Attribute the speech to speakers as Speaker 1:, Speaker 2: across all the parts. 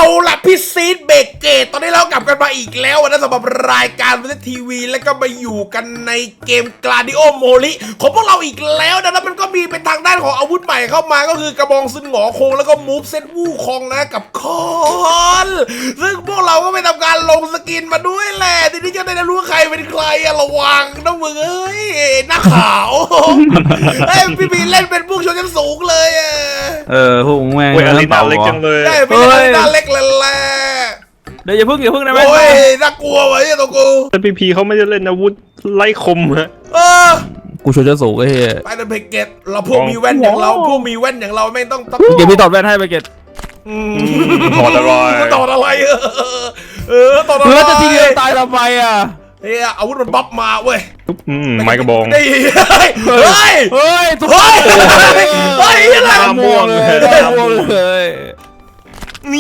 Speaker 1: ล่ะพี่ซีดเบรกเกตตอนนี้เรากลับกันมาอีกแล้วนะสำหรับรายการวิทยทีวีแล้วก็มาอยู่กันในเกมกลาดิโอโมลิของพวกเราอีกแล้วนะแล้วมันก็มีเป็นทางด้านของอาวุธใหม่เข้ามาก็คือกระบองซึนหงอคงแล้วก็มูฟเซตวู่คองนะกับคอนซึ่งพวกเราก็ไปทำการลงสกินมาด้วยแหละทีนี้จะได้รู้ว่าใครเป็นใครอะระวังนะมึงเอ้ยหน้าขาวเฮ้ยพี่บีเล่นเป็นพวกชนชั้นสูงเลยอะ
Speaker 2: พวกแม่ง
Speaker 3: เว้ยอะไรน่าเล็กจังเลย
Speaker 1: ได้ไม่ได้หน้าเล็กเลยแหละ
Speaker 2: เดี๋ยวอย่าพึ่งได้ไหม
Speaker 1: โอ้ยน่ากลัวไว้ตัวกู
Speaker 3: แต่พีพีเขาไม่ได้เล่นอาวุธไล่คมฮะ
Speaker 2: กูชวนจะสูงไอ้เหี้ย
Speaker 1: ไปเดินเพกเกตเราพวกมีแว่นอย่างเราพวกมีแว่นอย่างเราไม่ต้อง
Speaker 2: เก็บพี่ตอดแว่นให้ไปเก็ต
Speaker 3: ถอดอะไร
Speaker 1: ตอดอะไรตอดอะไร
Speaker 2: เพื่อจะทีเดียวตายทำไมอ่ะ
Speaker 1: เฮ้ยอาวุธมันบัฟมาเว้ย
Speaker 3: ไม้กระบอง
Speaker 1: เฮ้ย
Speaker 2: ทุก
Speaker 1: เฮ้ยอะไร
Speaker 3: หน้าม่วง
Speaker 2: เลยนี่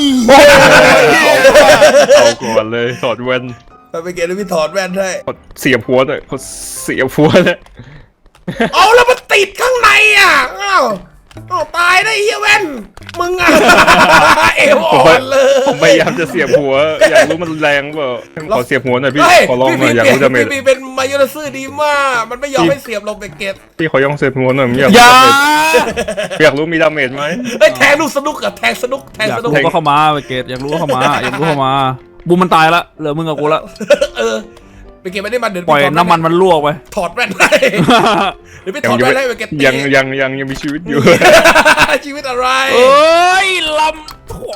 Speaker 3: เอาก่อนเลยถอดแว่น
Speaker 1: ไปเพกเกตพี่ถอดแว่นให้
Speaker 3: เสียบหัวเลยเสียบหัวเลย
Speaker 1: เอาแล้วมันติดข้างในอ่ะอ้าวตายได้เฮียแว่นมึงอ่ะเอวอ่อนเลย
Speaker 3: ผมพยายามจะเสียบหัวอยากรู้มันแรงเปล่าขอเสียบหัวหน่อยพี่ขอลองหน่อยอยากรู้ดาเมจ
Speaker 1: พี่เป็นมายอนซื่อดีมากมันไม่ยอมให้เสียบลงเพกเกต
Speaker 3: พี่ขอยังเสียบหัวหน่อยอยาก
Speaker 2: อย่า
Speaker 3: อยากรู้มีดาเมจไหม
Speaker 1: แทงลูกสนุกกับแทงสนุก
Speaker 2: อยากรู้ก็เข้ามาไปเก็ตอยากรู้ก็เข้ามาบูมมันตายละเหลือมึงกับกูละ
Speaker 1: ไปเก็บไม่ได้มันเดี๋ยว
Speaker 2: ปล่อยน้ำมันมันลวกไป
Speaker 1: ถอดแว่นให้เดี๋ยวไปถอดแว่นให้ไปเก็บ
Speaker 3: ยังมีชีวิตอยู่
Speaker 1: ชีวิตอะไร
Speaker 2: เอ้ยลำถั่ว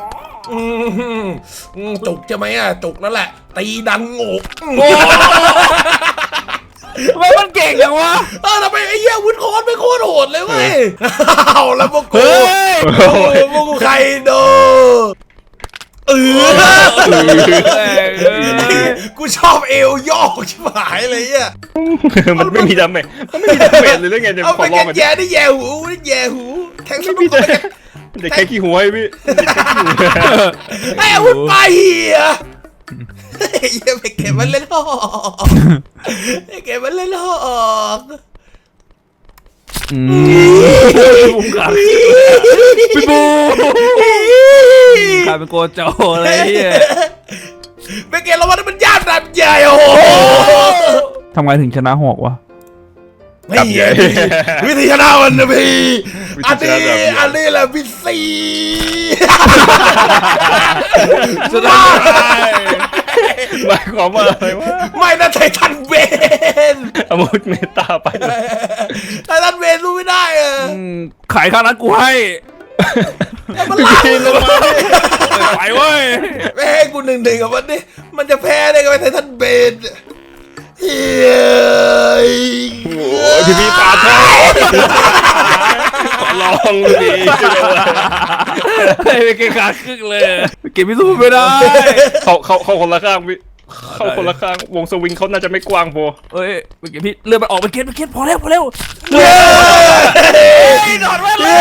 Speaker 1: จุกใช่ไหมอ่ะจุกนั่นแหละตีดังโง่
Speaker 2: ทำไมมันเก่งจังวะ
Speaker 1: ทำไมไอ้เหี้ยวุ้นคอนไม่โคตรโหดเลยเว้ยเอาแล้วพวกกูพวกกูใครโดกูชอบเอวย่อชิบหายเลยอ่ะ
Speaker 3: มันไม่มีดาเมจเลยเรื่องไงเดี๋ยว
Speaker 1: เอา
Speaker 3: ข
Speaker 1: ไป
Speaker 3: อลอง
Speaker 1: แย่ได้แย่หูแทงสนุก
Speaker 3: เดี๋ยวแค่ขี้หัวให้พี่
Speaker 1: ให้อาวุธไปอ่ะอย่าไปเก็บมันเล่นหอกเก็บมันเล่นหอก
Speaker 2: บูมขาดพี่บูขาดเป็นโกโจอะไรเงี้ย
Speaker 1: ไปเก็บเราว่ามันยากดับใหญ่โอ้โห
Speaker 2: ทำไงถึงชนะหอกวะ
Speaker 1: ไม่ใช่วิธีชนะมันนะพี่อันนี้แหละพี่ซี
Speaker 2: ชนะ
Speaker 3: หมายความว่าอะไรวะ
Speaker 1: ไม่นะไททันเวน
Speaker 3: อาวุธเมตาไป
Speaker 1: ไททันเวนรู้ไม่ได้อะ
Speaker 2: ขายข้างนั้นกูให้
Speaker 1: มันล่า
Speaker 2: ไปเว้ย
Speaker 1: ไม่ให้กู1-1กับมันดิมันจะแพ้ได้กับไททันเวนเฮ้ย
Speaker 3: พี่ปาดให้ลองดีจังเลย
Speaker 2: ไปเก่งขาดครึ่งเลยเก็บพิสูจน์ไม่ได้
Speaker 3: เขาคนละข้างพี่เข้าคนละข้างวงสวิงเขาน่าจะไม่กว้างพอ
Speaker 2: เอ้ยไปเก็บพี่เลื่อนมันออกไปเก็บพอแล้ว
Speaker 1: เ
Speaker 2: เ
Speaker 1: ฮ้ย
Speaker 2: ดอดแว่นเลย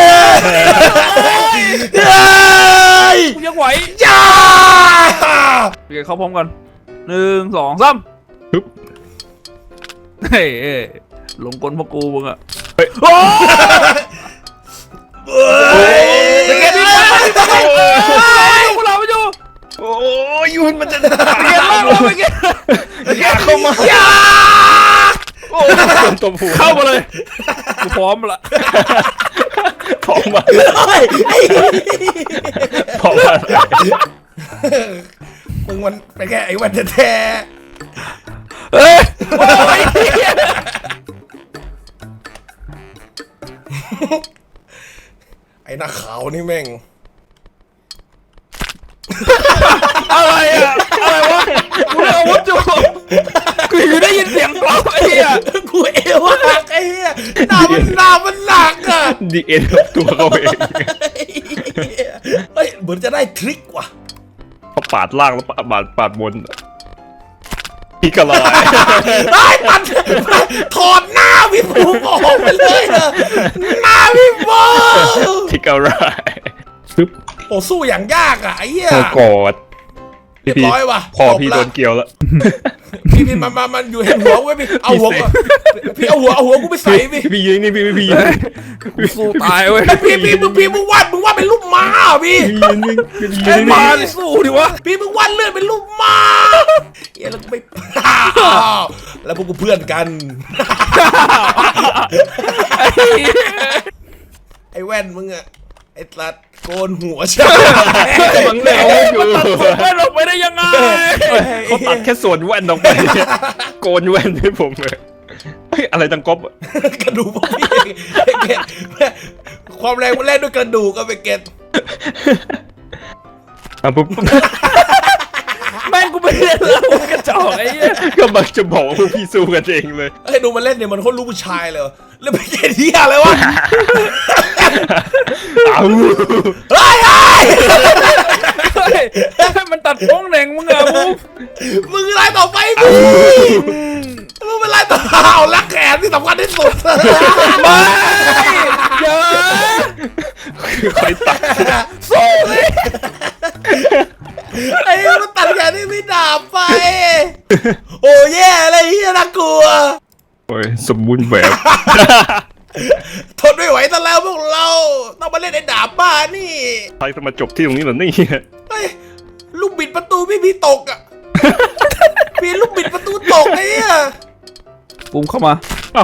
Speaker 2: กูยังไหว
Speaker 1: จ้า
Speaker 2: ไปเก็บเข้าพร้อมกัน1 2 3เฮ้ยหลงกลพวกกูมึงอะโอ้ยไปเก็บพี่พวกเราไปอยู่
Speaker 3: โอ้ยยุนมันจะ
Speaker 2: ไปเก็บ
Speaker 3: เข้ามา
Speaker 1: จ้า
Speaker 3: ตบหัว
Speaker 2: เข้ามาเลยกูพร้อมละ
Speaker 3: ท้องมา
Speaker 1: เฮ้ย
Speaker 3: ท้องมา
Speaker 1: มึงมันเป็นแค่ไอ้วันแท้
Speaker 2: เฮ้ย
Speaker 1: ไอ้หน้าขาวนี่แม่ง
Speaker 2: อะไรอะอะไรวะกูเลยอาวุธอยู่กูอยู่ได้ยินเสียงกรอบไอ้เหี้ย
Speaker 1: กูเอวหักไอ้เหี้ยหน้ามันหนักอ่ะ
Speaker 3: ดีเอ็นตัวเขาเอง
Speaker 1: เฮ้ยเหมือนจะได้ทริคว่ะ
Speaker 3: เขาปาดล่างแล้วปาดบนพี่กระลาย
Speaker 1: ไอ้ตัดถอดหน้าพี่ปูออกไปเลยอะหน้าพี่ปู
Speaker 3: พี่กระลาย
Speaker 1: โอ้สู้อย่างยากอ่ะไอ้เหี้ย
Speaker 3: เขากอด
Speaker 1: เรียบร้อยว่ะ
Speaker 3: พอพี่โดนเกี่ยวแล้ว
Speaker 1: พี่มันอยู่เห็นหัวไว้พี่เอาหัวพี่เอาหัวกูไปใส่พี่
Speaker 3: พี่ยิงนี่พี่ยิง
Speaker 2: กูสู้ตายเว้ย
Speaker 1: พี่มึงวาดเป็นรูปม้าพี่
Speaker 2: ไอ้มาสู้ดิวะ
Speaker 1: พี่มึงวาดเลื่อนเป็นรูปม้าเฮ้ยแล้วกูไม่แล้วพวกกูเพื่อนกัน ไอ้แว่นมึงอะไอ้ตัดโกนหัวใช่
Speaker 3: มันแนวอยู่
Speaker 2: แว่นออกไปได้ยังไง
Speaker 3: เขาตัดแค่ส่วนแว่นออกไปโกนแว่นให้ผมเลยเฮ้ยอะไรตังก๊อบ
Speaker 1: กระดูกพวกพี่เกตความแรงมันแล่นด้วยกระดูกก็ไปเกต
Speaker 3: ปุ๊บ
Speaker 2: แม่งกูไม่เล่นแล้วกระจอกไอ้เหี้ย
Speaker 3: ก็มักจะบอกว่าพวกพี่สู้กันเองเลย
Speaker 1: เฮ้ยดูมันเล่นเนี่ยมันโคตรลูกผู้ชายเลยแล้วไปเกตที่อะไรวะ
Speaker 3: เอา
Speaker 1: เฮ้ย
Speaker 2: เฮ้ยมันตัดโป้งเหน่งมึงอะมึง
Speaker 1: มึงไล่ต่อไปมึงเป็นไล่ต่อเอาลักแขนที่สำคัญที่สุด
Speaker 2: ไม่เยอะ
Speaker 3: คอยตัด
Speaker 2: สู้เลย
Speaker 1: ไอ้มันตัดแขนที่พี่ดาบไปโอ้แย่อะไรเฮียน่ากลัว
Speaker 3: โอ้ยสมบูรณ์แบบ
Speaker 1: ทนไม่ไหวซะแล้วพวกเราต้องมาเล่นไอ้ดาบบ้านี่
Speaker 3: ใครจะมาจบที่ตรงนี้เหรอนี่
Speaker 1: เฮ้ยลูกบิดประตูพี่ตกอ่ะ พี่ลูกบิดประตูตกไอ้เนี่ย
Speaker 2: ปุ้มเข้ามา
Speaker 3: เอา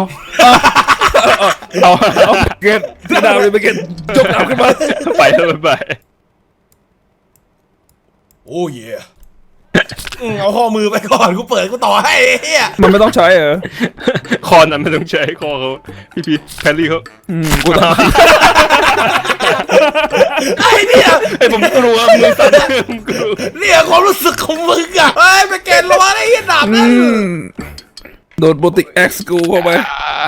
Speaker 2: เกตดาวเลยไปเกตจกดาวขึ้นมา
Speaker 3: ไปไป
Speaker 1: โอ้เย่เอาข้อมือไปก่อนกูเปิดกูต่อให้ไอ้เฮีย
Speaker 2: มันไม่ต้องใช้เหรอ
Speaker 3: คอนั้นไม่ต้องใช้คอเขาพี่แพรรี่เขา
Speaker 2: กูต้อง
Speaker 1: ไอ้เนี่ย
Speaker 3: ไอ้ผมกลัวมือสั่นผมกลัว
Speaker 1: เนี่ยความรู้สึกของมึงอ่ะเฮ้ยไปเกณฑ์ระวังไอ้เฮียดาบนั่น
Speaker 2: โดนโบติกเอ็กซ์กูเข้าไป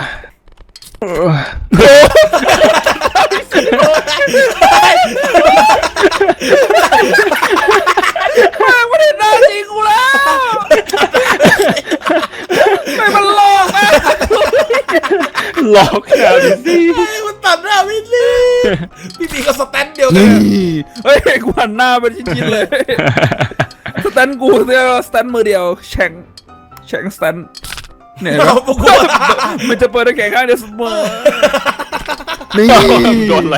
Speaker 2: ไม่ได้หน้าจริงกูแล้วไม่มันหลอกนะ
Speaker 3: หลอกนะพี่
Speaker 1: ไอ้มันตัดหน้าพี่ลี่พี่ก็สแตนเดียวกัน
Speaker 2: เฮ้ยกูหันหน้าเป็นชิ้นๆเลยสแตนกูเนี่ยสแตนมือเดียวแฉ่งสแตนเนี่ย
Speaker 1: เอาพวกกู
Speaker 2: มันจะเปิดได้แค่ข้างเดียวเสมอนี่
Speaker 3: โดนอะไร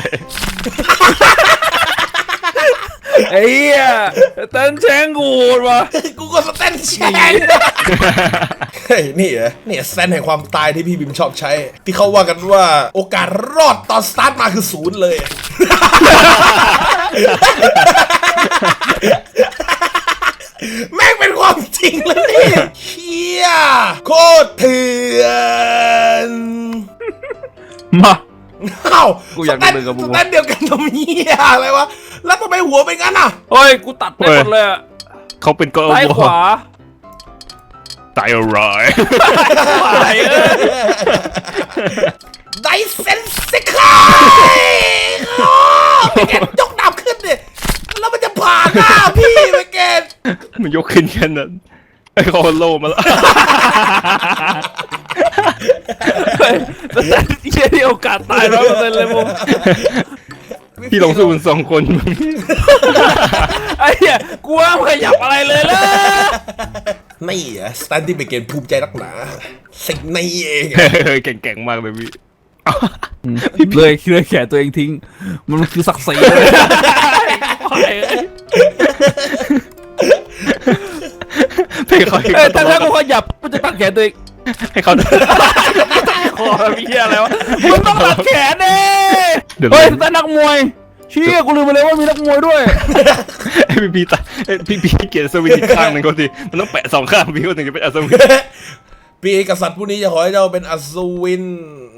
Speaker 2: ไอ้เหี้ยสแตนแฉ่งกูวะ
Speaker 1: กูก็สแตนแชงเฮ้ยนี่เหรอเนี่ยสแตนแห่งความตายที่พี่บิมชอบใช้ ที่เขาว่ากันว่าโอกาสรอดตอนสตาร์ทมาคือศูนย์เลย แม่งเป็นความจริงเลยนี่เฮียโคตรเถื่อน
Speaker 2: มา
Speaker 1: เอ้า
Speaker 2: กูอยากดูเลยกับมึง
Speaker 1: สแตนเดียวกันทำเฮียอะไรวะแล้วทำไมหัวเป็นงั้นอ่ะ
Speaker 2: เฮ้ยกูตัดไปหมดเลยอะ
Speaker 3: เขาเป็นก็
Speaker 2: ซ้ายขวา
Speaker 3: ตายอะไร
Speaker 2: ไหวเอ้ย
Speaker 1: ไดเซนสิคาย แกยกดาบขึ้นดิแล้วมันจะผ่านหน้าพี่ไปแก
Speaker 3: มันยกขึ้นแค่นั้นไอ้คอโลมาแล้ว
Speaker 2: เฮ้ยแต่เชี่ยที่โอกาสตาย100%เลยมึง
Speaker 3: พี่ลองสู้กันสองคน
Speaker 2: ไอ้เหี้ยกูว่ามึงขยับอะไรเลยล่ะ
Speaker 1: นี่เหรอสแตนดี้ไปเกณฑ์ภูมิใจนักหนาสิ่งนี้เอง
Speaker 3: เก่งๆมากเลยพี่
Speaker 2: เลยแขนตัวเองทิ้ง มันคือศักดิ์ศรีเลย
Speaker 3: ให้เขา
Speaker 2: เอ้ยแต่ถ้ากูขยับกูจะตัดแขนตัวเอง
Speaker 3: ให้เขา
Speaker 2: คอมีเหี้ยอะไรวะมึงต้องตัดแขนเด้
Speaker 3: เดี๋ยว
Speaker 2: เฮ้ยแต่นักมวยเชี่ยกูลืมไปเลยว่ามีนักมวยด้วย
Speaker 3: พี่ตาพี่เกียรติสวิตอีกข้างหนึ่งก็ดีมันต้องแปะสองข้างพี่ก็ถึงจะเป็นอัศวิน
Speaker 1: พี่กษัตริย์ผู้นี้จะขอให้เจ้าเป็นอัศวิน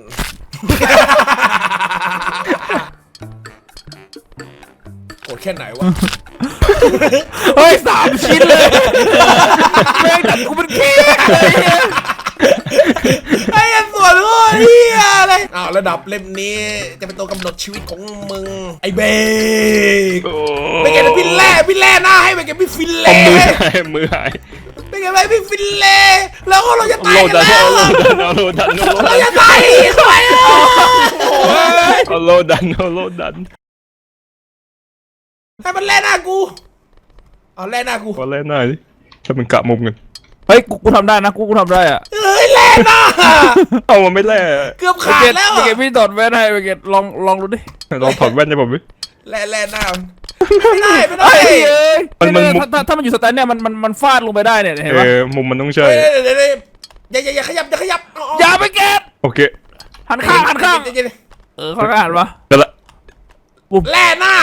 Speaker 1: โกรธแค่ไหนวะ
Speaker 2: เฮ้ย3 ชิ้นเลยแม่งตัดกูเป็นเค้กเลยเนี่ย
Speaker 1: ไอ้ส่วนโอ้ยเฮียอะไรอ้าวระดับเล่มนี้จะเป็นตัวกำหนดชีวิตของมึงไอ้เบก
Speaker 3: โอ้
Speaker 1: ไปเก็บพี่แร่หน้าให้ไปเก็บพี่ฟินเล่
Speaker 3: มือหาย
Speaker 1: ไปเก็บพี่ฟินเล่แล้วก็เราจะตาย
Speaker 3: โล
Speaker 1: กัน
Speaker 3: ดัน
Speaker 1: แล้ว
Speaker 3: โลดัน
Speaker 1: เราจะตายทำไมอ่ะ
Speaker 3: โลดัน
Speaker 1: ให้มันแล่หน้ากูเอาแล่หน้ากู
Speaker 3: ขอแล่หน้าดิถ้ามันกะมุมกัน
Speaker 2: เฮ้ยกูทำได้นะกูทำได้อะ
Speaker 1: เฮ้ยแล่หน้า
Speaker 3: เอามันไม่แล่
Speaker 1: เกือบขาดแล้ว
Speaker 2: ไปเกตพี่ถอดแว่นให้ไปเกตลองดูดิ
Speaker 3: ลองถอดแว่นให้ผมดิ
Speaker 1: แล่หน้าไม่ได้
Speaker 2: เฮ้ยเอ้ย
Speaker 3: มัน
Speaker 2: ถ้ามันอยู่สแตนเนี่ยมันฟาดลงไปได้เนี่ยเห็นปะ
Speaker 3: มุมมันต้องใช่
Speaker 1: เดี๋ยวอย่าขยับอย่า
Speaker 2: อย่าไปเกต
Speaker 3: โอเค
Speaker 2: หันข้างข้างข้างหันวะ
Speaker 3: เดี๋ยวละ
Speaker 1: แล่หน้า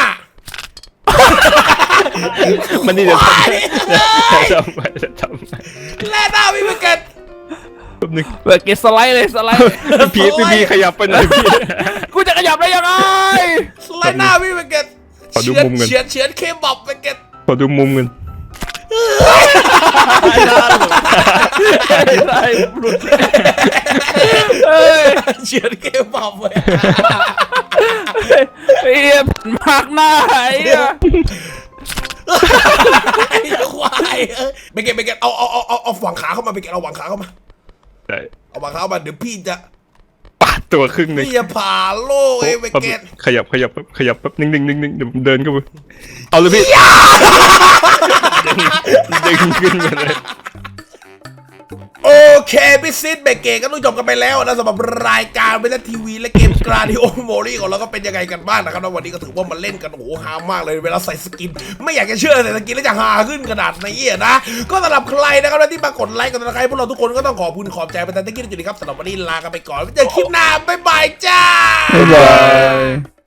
Speaker 3: มันนี่เดี๋ยวทำไป
Speaker 1: แล่หน้าพี่เกต
Speaker 3: แป๊บนึง
Speaker 2: เกตสไลด์เลยสไลด์
Speaker 3: พี่ขยับไปหน่อยพี่
Speaker 2: กูจะขยับได้ยังไง
Speaker 1: แล่หน้าพี่เกต
Speaker 3: ขอดูมุมกัน
Speaker 1: เฉือนเคบับพี่เกต
Speaker 3: ขอดูมุมกัน
Speaker 2: ได้หลุดเฮ้ย
Speaker 1: เฉือนเคบับเลย
Speaker 2: ไอ้มากหน้าไอ้
Speaker 1: ไอ้ควายพี่เกตเอาหวังขาเข้ามาพี่เกตเอาหวังขาเข้ามา
Speaker 3: ได้
Speaker 1: เอาหวังขาเข้ามาเดี๋ยวพี่จะ
Speaker 3: ปาดตัวครึ่งหนึง
Speaker 1: พี่จะผ่าโลกไอ้พี่เกต
Speaker 3: ขยับแป๊บนิ่งเดี๋ยวผมเดินเข้าไปเอาเลยพี่ดึงขึ้นมาเลย
Speaker 1: โอเคพี่ซิดเบเกตก็ต้องจบกันไปแล้วนะสำหรับรายการเวทีวีและเกมกราดิโอโมลี่ของเราก็เป็นยังไงกันบ้างนะครับแล้ววันนี้ก็ถือว่ามันเล่นกันโอ้โหฮามากเลยเวลาใส่สกินไม่อยากจะเชื่อใส่สกินแล้วจะฮาขึ้นขนาดนี้นะก็สำหรับใครนะครับที่มากดไลค์กดติดตามพวกเราทุกคนก็ต้องขอบคุณขอบใจไปแต่ตะกี้จุดนี้ครับสำหรับวันนี้ลากันไปก่อนไว้เจอคลิปหน้าบ๊ายบายจ้า
Speaker 2: บ๊ายบาย